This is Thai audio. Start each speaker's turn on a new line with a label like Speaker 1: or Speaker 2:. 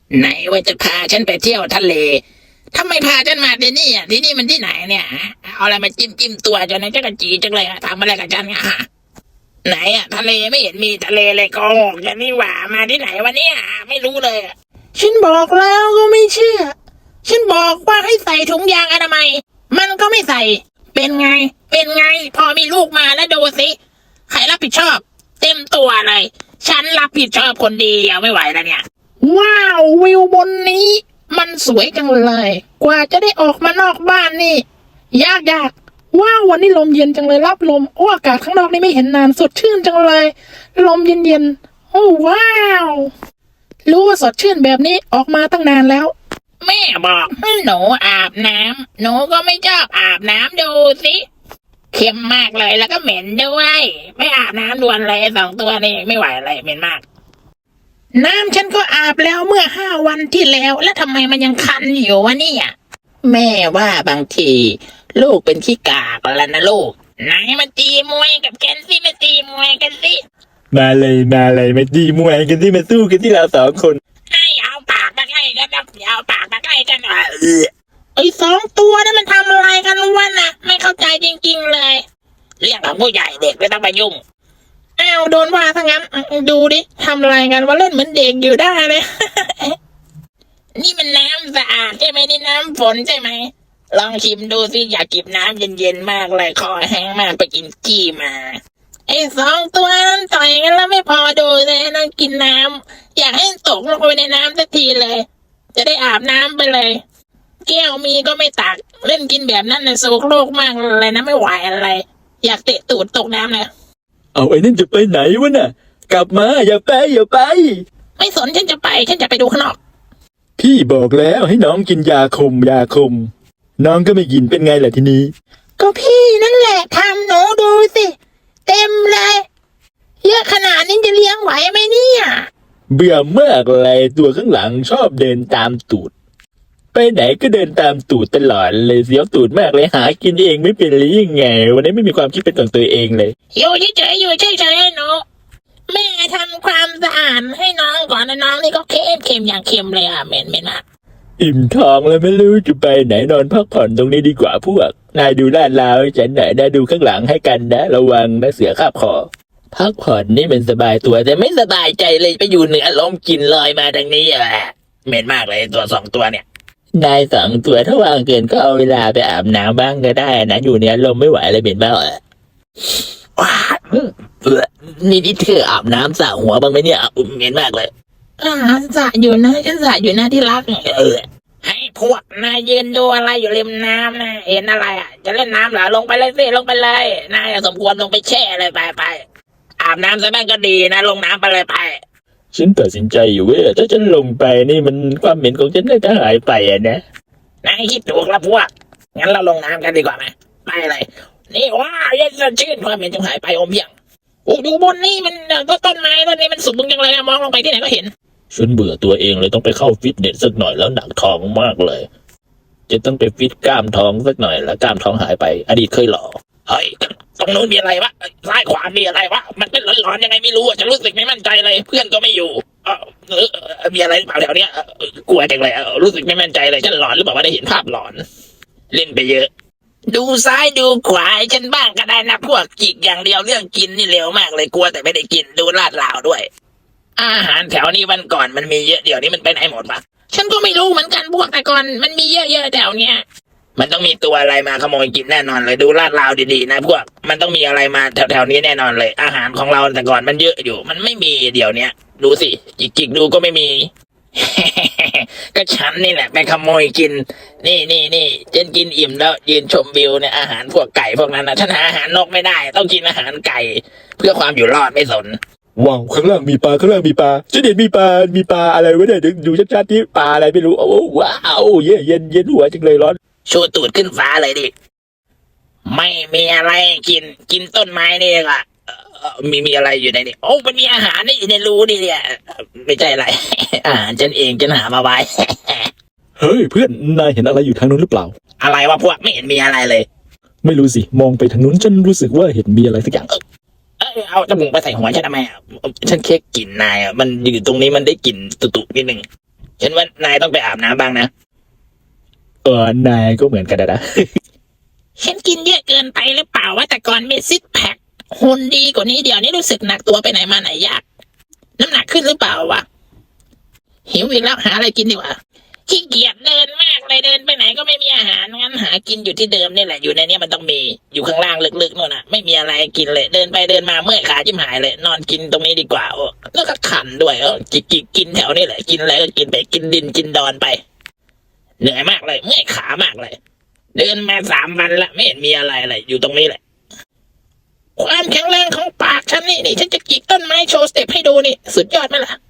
Speaker 1: ไหนว่าจะพาฉันไปเที่ยวทะเลทำไมพาฉันมาที่นี่อ่ะที่นี่มันที่ไหนเนี่ยเอาอะไรมาจิ้มตัวจนในจักรจีจังเลยทำอะไรกับฉันอ่ะไหนอ่ะทะเลไม่เห็นมีทะเลเลยโกหกอย่างนี้หว่ามาที่ไหนวะเนี่ยไม่รู้เลยฉันบอกแล้วก็ไม่เชื่อฉันบอกว่าให้ใส่ถุงยางอนามัยมันก็ไม่ใส่เป็นไงเป็นไงพอมีลูกมาแล้วดูสิใครรับผิดชอบเต็มตัวเลยฉันรับผิดชอบคนเดียวไม่ไหวแล้วเนี่ยว้าววิวบนนี้มันสวยจังเลยกว่าจะได้ออกมานอกบ้านนี่ยากว้าววันนี้ลมเย็นจังเลยรับลมอากาศข้างนอกนี่ไม่เห็นนานสดชื่นจังเลยลมเย็นโอ้ว้าวรู้ว่าสดชื่นแบบนี้ออกมาตั้งนานแล้วแม่บอกให้หนูอาบน้ำหนูก็ไม่ชอบอาบน้ำดูสิเค็มมากเลยแล้วก็เหม็นด้วยไม่อาบน้ำด่วนเลย2 ตัวนี่ไม่ไหวเลยเหม็นมากน้ำฉันก็อาบแล้วเมื่อ5 วันที่แล้วแล้วทำไมมันยังคันอยู่วะเนี่ยแม่ว่าบางทีลูกเป็นขี้กากแล้วนะลูกไหนมาตีมวยกับแกนซี่มาตีมวยกันสิ
Speaker 2: มาเลยมาดีมวยกันที่มาสู้กันที่เรา2 คน
Speaker 1: ให้เอาปากมาใกล้กันนะเอาปากมาใกล้กันไอ้2 ตัวนั่นมันทำอะไรกันวะนะไม่เข้าใจจริงๆเลยเรื่องของผู้ใหญ่เด็กไม่ต้องไปยุ่งอ้าวโดนว่าทั้งนั้นดูดิทำอะไรกันว่าเล่นเหมือนเด็กอยู่ได้เลย นี่มันน้ำสะอาดใช่ไหมนี่น้ำฝนใช่ไหมลองชิมดูสิอยากกินน้ำเย็นๆมากเลยคอแห้งมากไปกินจี้มาไอ้2 ตัวนั้นต่อยกันแล้วไม่พอดูเลยนั่งกินน้ำอยากให้ตกลงไปในน้ำสักทีเลยจะได้อาบน้ำไปเลยแก้วมีก็ไม่ตักเล่นกินแบบนั้นน่ะโศกโลกมากเลยนะไม่ไหวอะไรอยากเตะตูดตกน้ำเลย
Speaker 2: เอาไอ้นั่นจะไปไหนวะน่ะกลับมาอย่าไป
Speaker 1: ไม่สนฉันจะไปดูข้างนอก
Speaker 2: พี่บอกแล้วให้น้องกินยาคุมน้องก็ไม่กินเป็นไงล่ะทีนี้
Speaker 1: ก็พี่นั่นแหละทำหนูดูสิเต็มเลยเยอะขนาดนี้จะเลี้ยงไหวไหมเนี่ย
Speaker 2: เบื่อมากเลยตัวข้างหลังชอบเดินตามตูดไปไหนก็เดินตามตูดตลอดเลยเสียวตูดมากเลยหากินเองไม่เป็นหรือยังไงวันนี้ไม่มีความคิดเป็นของตัวเองเลย
Speaker 1: อยู่เฉยให้หนูแม่ทำความสะอาดให้น้องก่อนนะน้องนี่ก็เค็มอย่างเค็มเลยอ่ะเหม็นมาก
Speaker 2: อิ่มท้องแล้วไม่รู้จะไปไหนนอนพักผ่อนตรงนี้ดีกว่าพวกนายดูลาดราวฉันไหนนายดูข้างหลังให้กันนะระวังนะเสือคาบคอพักผ่อนนี่เป็นสบายตัวแต่ไม่สบายใจเลยไปอยู่เหนือลมกลิ่นลอยมาทางนี้อ่ะเหม็นมากเลยตัว2 ตัวเนี่ยนาย2 ตัวถ้าวางเกินก็เอาเวลาไปอาบน้ำบ้างก็ได้นะอยู่เหนือลมไม่ไหวเลยเหม็นบ้าว้านี่เธออาบน้ำสระหัวบ้างไหมเนี่ยเหม็นมากเลย
Speaker 1: สระอยู่นะฉันสระอยู่นะที่รักให้พวกนายยืนดูอะไรอยู่ริมน้ำนะเห็นอะไรอ่ะจะเล่นน้ำเหรอลงไปเลยสิลงไปเลยนายสมควรลงไปแช่เลยไปอาบน้ำซะบ้างก็ดีนะลงน้ำไปเลยไป
Speaker 2: ฉันตัดสินใจอยู่ว่าถ้าฉันลงไปนี่มันความเหม็นของฉันน่าจะหายไปอะนะ
Speaker 1: นายคิดถูกแล้วพวกงั้นเราลงน้ำกันดีกว่าไหมไปเลยนี่ว้าเย็นสดชื่นความเหม็นจะหายไปอมเพียงอยู่บนนี่มันก็ต้นไม้ต้นนี้มันสูงจังเลยมองลงไปที่ไหนก็เห็น
Speaker 2: ฉันเบื่อตัวเองเลยต้องไปเข้าฟิตเนสสักหน่อยแล้วหนักท้องมากเลยจะต้องไปฟิตกล้ามท้องสักหน่อยแล้วกล้ามท้องหายไปอดีตเคยหล่อ
Speaker 1: เฮ้ยตรงนู้นมีอะไรวะซ้ายขวามีอะไรวะมันเป็นหลอนๆยังไงไม่รู้จะรู้สึกไม่มั่นใจเลยเพื่อนก็ไม่อยู่มีอะไรเปล่าแถวเนี้ยกลัวจังเลยรู้สึกไม่มั่นใจเลยฉันหลอนหรือเปล่าว่าได้เห็นภาพหลอนเล่นไปเยอะดูซ้ายดูขวาฉันบ้างก็ได้นะพวกจิกอย่างเดียวเรื่องกินนี่เร็วมากเลยกลัวแต่ไม่ได้กินดูลาดราวด้วยอาหารแถวนี้วันก่อนมันมีเยอะเดี๋ยวนี้มันไปไหนหมดปะฉันก็ไม่รู้เหมือนกันพวกแต่ก่อนมันมีเยอะๆแถวเนี้ยมันต้องมีตัวอะไรมาขโมยกินแน่นอนเลยดูลาดราวดีๆนะพวกมันต้องมีอะไรมาแถวๆนี้แน่นอนเลยอาหารของเราแต่ก่อนมันเยอะอยู่มันไม่มีเดี๋ยวเนี้ยดูสิจิกดูก็ไม่มี ก็ฉันนี่แหละไปขโมยกินนี่ฉันกินอิ่มแล้วยืนชมวิวเนี่ยอาหารพวกไก่พวกนั้นนะฉันหาอาหารนกไม่ได้ต้องกินอาหารไก่เพื่อความอยู่รอดไม่สน
Speaker 2: ว้าวข้างล่างมีปลาฉันเห็นมีปลาอะไรวะเนี่ยดูชัดๆที่ปลาอะไรไม่รู้โอ้ว้าวเย็นหัวจังเลยร้อน
Speaker 1: ชูตูดขึ้นฟ้าเลยดิไม่มีอะไรกินต้นไม้นี่ก็มีอะไรอยู่ในนี้โอ้มันมีอาหารนี่อยู่ในรูนี่เนี่ยไม่ใช่อะไร อาหารฉันเองฉันหามาไว้
Speaker 2: เฮ้ยเพื่อนนายเห็นอะไรอยู่ทางนู้นหรือเปล่า
Speaker 1: อะไรวะพวกไม่เห็นมีอะไรเลย
Speaker 2: ไม่รู้สิมองไปทางนู้นฉันรู้สึกว่าเห็นมีอะไรสักอย่าง
Speaker 1: เอาจมูกไปใส่หัวฉันทำไมฉันแค่กลิ่นนายมันอยู่ตรงนี้มันได้กลิ่นตุ่ๆนิดนึงฉันว่านายต้องไปอาบน้ำบ้างนะ
Speaker 2: นายก็เหมือนกันนะ
Speaker 1: ฉันกินเยอะเกินไปหรือเปล่าว่าแต่ก่อนมีซิกแพคหุ่นดีกว่านี้เดี๋ยวนี้รู้สึกหนักตัวไปไหนมาไหนยากน้ำหนักขึ้นหรือเปล่าวะหิวอีกแล้วหาอะไรกินดีกว่าขี้เกียจเดินมากเลยเดินไปไหนก็ไม่มีอาหารงั้นหากินอยู่ที่เดิมนี่แหละอยู่ในเนี้ยมันต้องมีอยู่ข้างล่างลึกๆนู่นน่ะไม่มีอะไรกินเลยเดินไปเดินมาเมื่อยขาจิ้มหายเลยนอนกินตรงนี้ดีกว่าโอ้แล้วก็ขันด้วยกินแถวนี้แหละกินอะไรก็กินไปกินดินกินดอนไปเหนื่อยมากเลยเมื่อยขามากเลย เดินมา3 วันละไม่เห็นมีอะไรเลยอยู่ตรงนี้แหละความแข็งแรงของปากฉันนี่ฉันจะจิกต้นไม้โชว์สเต็ปให้ดูนี่สุดยอดไหมล่ะ